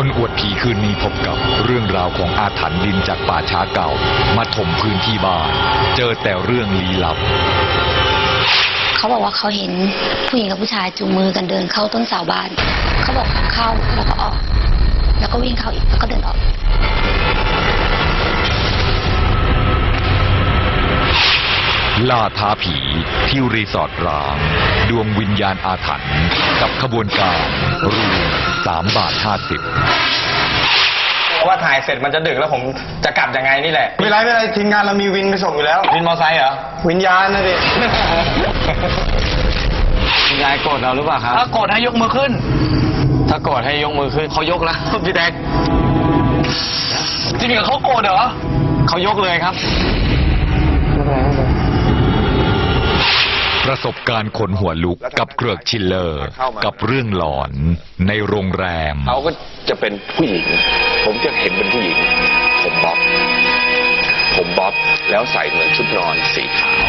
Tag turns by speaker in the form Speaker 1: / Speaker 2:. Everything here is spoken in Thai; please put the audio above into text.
Speaker 1: คนอวดผีคืนนี้พบกับเรื่องราวของอาถรรพ์ดินจากป่าช้าเก่ามาถมพื้นที่บ้านเจอแต่เรื่องลี้ลับ
Speaker 2: เขาบอกว่าเขาเห็นผู้หญิงกับผู้ชายจูงมือกันเดินเข้าต้นเสาบ้านเขาบอกเข้าแล้วก็ออกแล้วก็วิ่งเข้าอีกแล้วก็เดินออก
Speaker 1: ล่าท้าผีที่รีสอร์ทร้างดวงวิญญาณอาถรรพ์กับขบวนการรู3.50 บาท
Speaker 3: เพราะว่าถ่ายเสร็จมันจะดึกแล้วผมจะกลับยังไงนี่แหละ
Speaker 4: ไม่เป็นไรทีมงานเรามีวินไปส่งอยู่แล้ว
Speaker 3: วินมอไซค์เหรอ
Speaker 4: วิญญาณนะดิ
Speaker 3: คุณยายโกรธเราหรือเปล่าครับถ้าโกรธให้ยกมือขึ้นถ้าโกรธให้ยกมือขึ้นเขายกแล้วพี่แดกจริงๆเขาโกรธเหรอเขายกเลยครับ
Speaker 1: ประสบการณ์ขนหัวลุกกับเกริกชิลเลอร์กับเรื่องหลอนในโรงแรม
Speaker 5: เขาก็จะเป็นผู้หญิงผมจะเห็นเป็นผู้หญิงผมบ๊อบแล้วใส่เหมือนชุดนอนสีขาว